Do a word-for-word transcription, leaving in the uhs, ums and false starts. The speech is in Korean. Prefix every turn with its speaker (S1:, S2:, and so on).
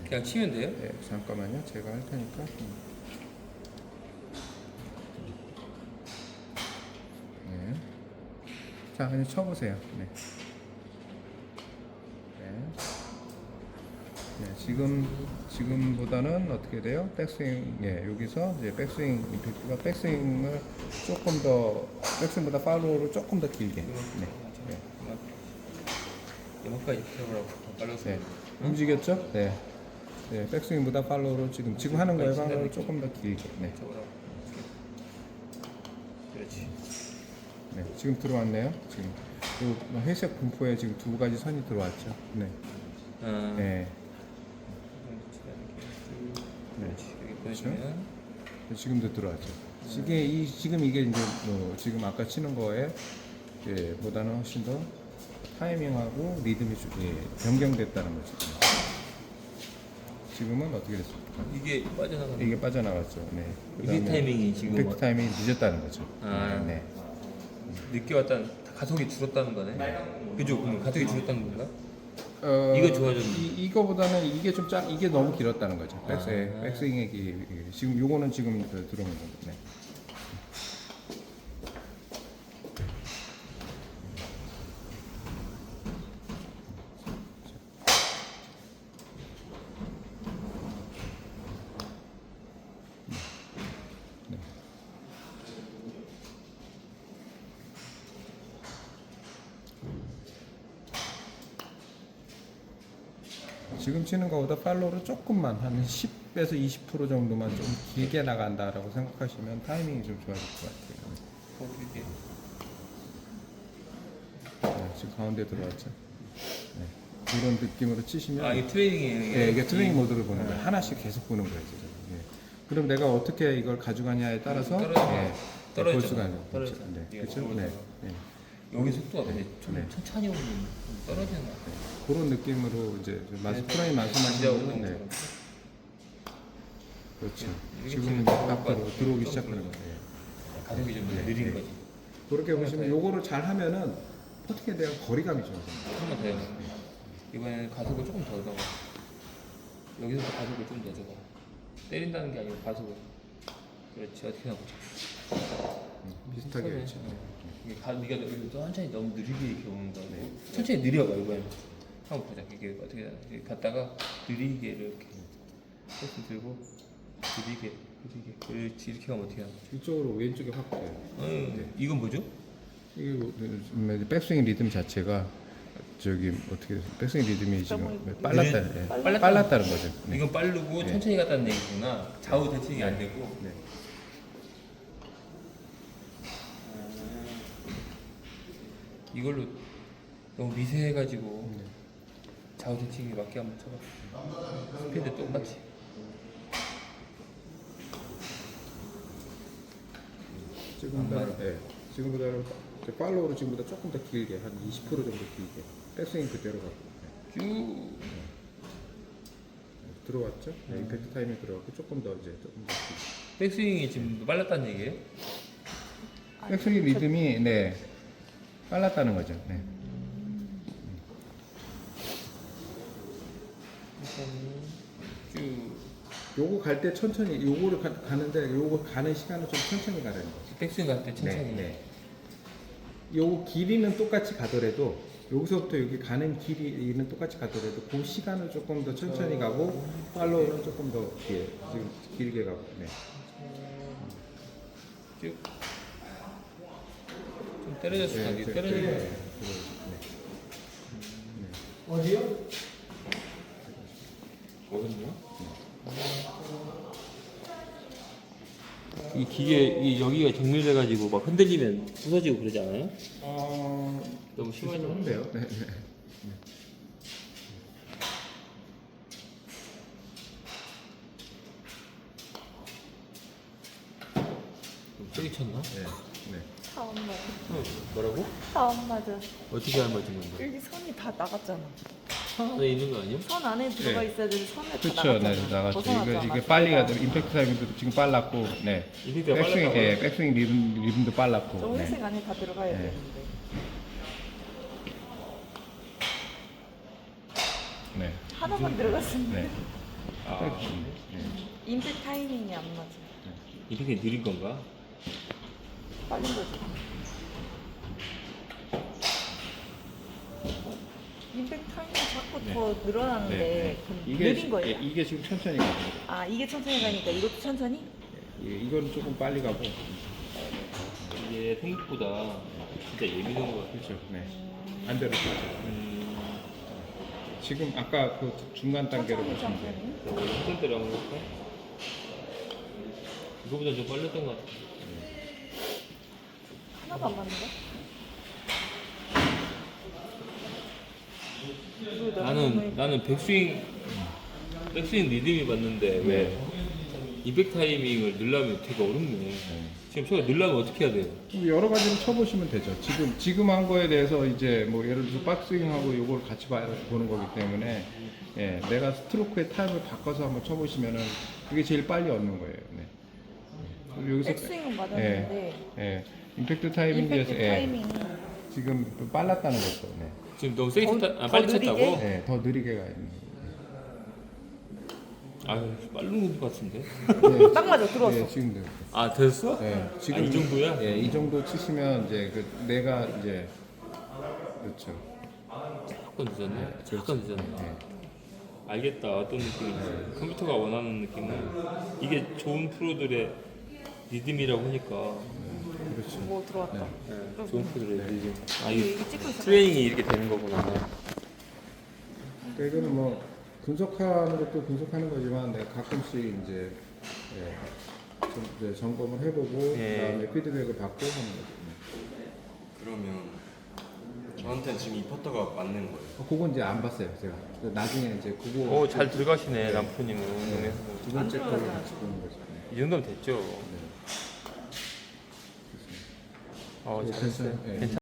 S1: 그냥 치면 돼요?
S2: 네, 잠깐만요. 제가 할 테니까. 네. 자, 그냥 쳐보세요. 네. 네. 네, 지금 지금보다는 어떻게 돼요? 백스윙, 예, 여기서 이제 백스윙 임팩트가 백스윙을 조금 더 백스윙보다 팔로우를 조금 더 길게. 네. 네.
S1: 이만까지 들어가라고 빨라서.
S2: 네. 움직였죠? 네. 네, 백스윙보다 팔로우를 지금 지금 하는 거예요. 팔로우를 조금 더 길게. 네.
S1: 그렇지.
S2: 네, 지금 들어왔네요. 지금 요 회색 분포에 지금 두 가지 선이 들어왔죠. 네.
S1: 아,
S2: 네.
S1: 그렇지. 여기 보시면
S2: 네, 지금도 들어왔죠. 이게 이 지금 이게 이제 뭐 지금 아까 치는 거에 예, 보다는 훨씬 더 타이밍하고 리듬이 좀, 예, 변경됐다는 거죠. 지금은 어떻게 됐습니까?
S1: 이게 빠져나가는.
S2: 이게 빠져나갔죠. 네.
S1: 이게
S2: 그다음에
S1: 타이밍이 지금
S2: 임팩트 타이밍이 늦었다는 거죠.
S1: 아.
S2: 네.
S1: 늦게 왔다는 가속이 줄었다는 거네. 그죠? 그럼 가속이 줄었다는 건가?
S2: 어,
S1: 이거 좋아졌네.
S2: 이, 이거보다는 이게 좀 짧, 이게 너무 길었다는 거죠.
S1: 아.
S2: 백스, 백스윙의 기, 지금 요거는 지금 그 들어오는 거죠. 네. 지금 치는 것보다 팔로우를 조금만 한 십에서 이십 퍼센트 정도만 좀 길게 나간다라고 생각하시면 타이밍이 좀 좋아질 것 같아요.
S1: 어, 이게.
S2: 네, 지금 가운데 들어왔죠. 네. 이런 느낌으로 치시면
S1: 아, 이게 트레이닝이에요. 이게?
S2: 네, 이게 트레이닝 모드를 보는 거예요. 하나씩 계속 보는 거예요. 지금. 예. 그럼 내가 어떻게 이걸 가져가냐에 따라서
S1: 떨어져.
S2: 예,
S1: 떨어져.
S2: 볼 수가 있는
S1: 떨어져.
S2: 거죠. 네,
S1: 이게
S2: 그렇죠.
S1: 떨어져.
S2: 네, 네.
S1: 여기 속도가 근데
S2: 네.
S1: 좀
S2: 네.
S1: 천천히 오면 좀 떨어지는 것 같아요.
S2: 그런 느낌으로 이제 좀 마스
S1: 네,
S2: 프라임 말씀하신
S1: 진짜
S2: 거는
S1: 오는
S2: 네,
S1: 것처럼.
S2: 그렇죠.
S1: 이게
S2: 지금은
S1: 지금
S2: 이제
S1: 들어올 것
S2: 앞으로
S1: 같아요.
S2: 들어오기
S1: 좀
S2: 시작하는
S1: 들어오는
S2: 거예요.
S1: 가속이 좀
S2: 네,
S1: 느린
S2: 네.
S1: 거지.
S2: 그렇게 보시면 요거를 잘 하면은 퍼팅에 대한 거리감이 좋아져요.
S1: 한 번 더 해요. 이번에는 가속을 조금 더 넣어. 여기서도 가속을 좀 더 줘봐. 때린다는 게 아니고 가속을. 그렇지. 어떻게 나보자.
S2: 음, 비슷하게
S1: 비슷하네.
S2: 그렇죠.
S1: 이게 가, 네가 여기 천천히 너무 느리게 이렇게 오는 거고
S2: 네.
S1: 천천히 느려가 이번에 한번 보자. 이게 어떻게 이렇게 갔다가 느리게 이렇게 조금 들고 느리게 느리게 그렇지. 이렇게 가면 어떻게 하나?
S2: 이쪽으로 왼쪽에 확 가요.
S1: 어,
S2: 네.
S1: 이건 뭐죠?
S2: 이게 뭐, 음, 백스윙 리듬 자체가 저기 어떻게 백스윙 리듬이 지금 빨랐다,
S1: 느린-
S2: 예.
S1: 빨랐다.
S2: 빨랐다는 거죠. 네.
S1: 이건 빠르고
S2: 네.
S1: 천천히 갔다는 얘기구나. 좌우 대칭이 안 되고.
S2: 네.
S1: 이걸로 너무 미세해가지고
S2: 네.
S1: 좌우 대칭이 맞게 한번 쳐봐. 스피드 똑같이.
S2: 지금보다는 예. 지금보다는 이제 팔로우로 지금보다 조금 더 길게 한 이십 퍼센트 정도 길게 백스윙 그대로 가고 네.
S1: 쭉.
S2: 들어왔죠? 네, 임팩트 타임이 들어갔고 조금 더 이제 조금 더 길게.
S1: 백스윙이 지금 빨랐다는 얘기예요?
S2: 백스윙 리듬이 네 빨랐다는 거죠. 네.
S1: 쭉.
S2: 요거 갈 때 천천히 요거를 가, 가는데 요거 가는 시간은 좀 천천히 가라는 거죠.
S1: 백스윙 갈 때 천천히.
S2: 네, 네. 요 길이는 똑같이 가더라도 여기서부터 여기 가는 길이는 똑같이 가더라도 그 시간을 조금 더 천천히 가고 팔로우는 조금 더 예, 지금 길게 가고. 네.
S1: 쭉. 좀 때려졌을 때
S2: 네, 네,
S1: 때려지는
S2: 네,
S1: 거예요.
S2: 네.
S3: 어디요?
S1: 어딨냐? 이 기계 이 여기가 정밀돼 가지고 막 흔들리면 부서지고 그러지 않아요?
S2: 어,
S1: 너무 심하죠?
S2: 한데요. 네, 네.
S1: 좀 세게 쳤나?
S2: 네, 네.
S3: 다 안 맞아.
S1: 어, 뭐라고?
S3: 다 안 맞아.
S1: 어떻게 안 맞은 건데?
S3: 여기 선이 다 나갔잖아.
S1: 선 안에 있는 거 아니야?
S3: 선 안에 들어가
S2: 네.
S3: 있어야 되는데 선에 다
S2: 그렇죠,
S3: 나갔잖아.
S2: 네, 나갔죠.
S3: 벗어나지
S2: 이거 이게
S3: 않았어.
S2: 빨리 가도 임팩트 타임도 지금 빨랐고, 네.
S1: 임팩트가
S2: 백스윙,
S1: 빨랐다고?
S2: 예, 백스윙 리듬, 리듬도 빨랐고.
S3: 저
S2: 네.
S3: 회색 안에 다 들어가야
S2: 네.
S3: 되는데.
S2: 네.
S3: 하나만 들어갔으면
S2: 네.
S1: 아.
S2: 딱 좋네. 네.
S3: 임팩 타이밍이 안 맞아.
S1: 이렇게 느린 건가?
S3: 빨린 거지. 임팩 타이밍이 자꾸
S2: 네.
S3: 더 늘어나는데
S2: 네,
S3: 그럼
S2: 이게
S3: 느린
S2: 지-
S3: 거예요?
S2: 예, 이게 지금 천천히 가고
S3: 아 이게 천천히 가니까 이것도 천천히?
S2: 예, 이건 조금 빨리 가고
S1: 이게 생각보다 진짜 예민한 것 같아.
S2: 그렇죠. 네. 반대로 가죠.
S1: 음,
S2: 지금 아까 그 중간 단계로
S3: 천천히
S2: 보시면 돼요.
S3: 천천히.
S1: 한전대로 한번 볼까? 이거보다 좀 빨랐던 것 같아.
S3: 하나도 안 맞는데? 이거
S1: 나는
S3: 너무
S1: 나는 백스윙 백스윙 리듬이 맞는데 왜
S2: 네.
S1: 이백 타이밍을 넣으려면 되게 어렵네. 지금 저거 넣으려면 어떻게 해야 돼요?
S2: 여러 가지로 쳐보시면 되죠. 지금 지금 한 거에 대해서 이제 뭐 예를 들어서 박스윙하고 이걸 같이 봐, 보는 거기 때문에 예, 내가 스트로크의 타임을 바꿔서 한번 쳐보시면은 그게 제일 빨리 얻는 거예요. 네. 그리고 여기서
S3: 백스윙은 맞았는데
S2: 예, 임팩트 타이밍에서
S3: 임팩트
S2: 예,
S3: 타이밍이
S2: 지금 좀 빨랐다는 거죠. 네.
S1: 지금 너무 세게
S3: 더-
S1: 쳤다, 아,
S3: 더
S1: 빨리
S3: 느리게?
S1: 쳤다고?
S2: 예, 더 느리게 가 있는
S1: 아유 빠른 것 같은데.
S2: 거예요.
S3: 딱 맞아 들어왔어.
S2: 예, 지금도.
S1: 아 됐어?
S2: 예,
S1: 아, 이 정도야?
S2: 예, 이 정도 치시면 이제 그 내가 이제 그렇죠.
S1: 조금 늦었네. 조금 늦었네.
S2: 예.
S1: 알겠다 어떤 느낌인지. 컴퓨터가 원하는 느낌은 이게 좋은 프로들의 리듬이라고 하니까.
S2: 그렇죠.
S3: 뭐 들어왔다.
S1: 네, 좋은 프로들의 리듬. 아
S3: 이게,
S1: 이게
S3: 이게 찍고 있어.
S1: 트레이닝이 이렇게 되는 거구나.
S2: 그러니까 이거는 뭐 분석하는 것도 분석하는 거지만 내가 가끔씩 이제 예, 좀 이제 점검을 해보고
S1: 예.
S2: 그다음에 피드백을 받고 하는 거죠.
S4: 그러면 저한테는 지금 이 퍼터가 맞는 거예요.
S2: 어, 그건 이제 안 봤어요, 제가. 나중에 이제 그거
S1: 오 잘 들어가시네 남편님은
S2: 네,
S1: 운동에서.
S2: 두 번째 거를 같이 보는 거죠. 네.
S1: 이 정도면 됐죠.
S2: 네.
S1: 어
S2: 네,
S1: 잘했어요.
S2: 괜찮아요. 네.
S1: 괜찮.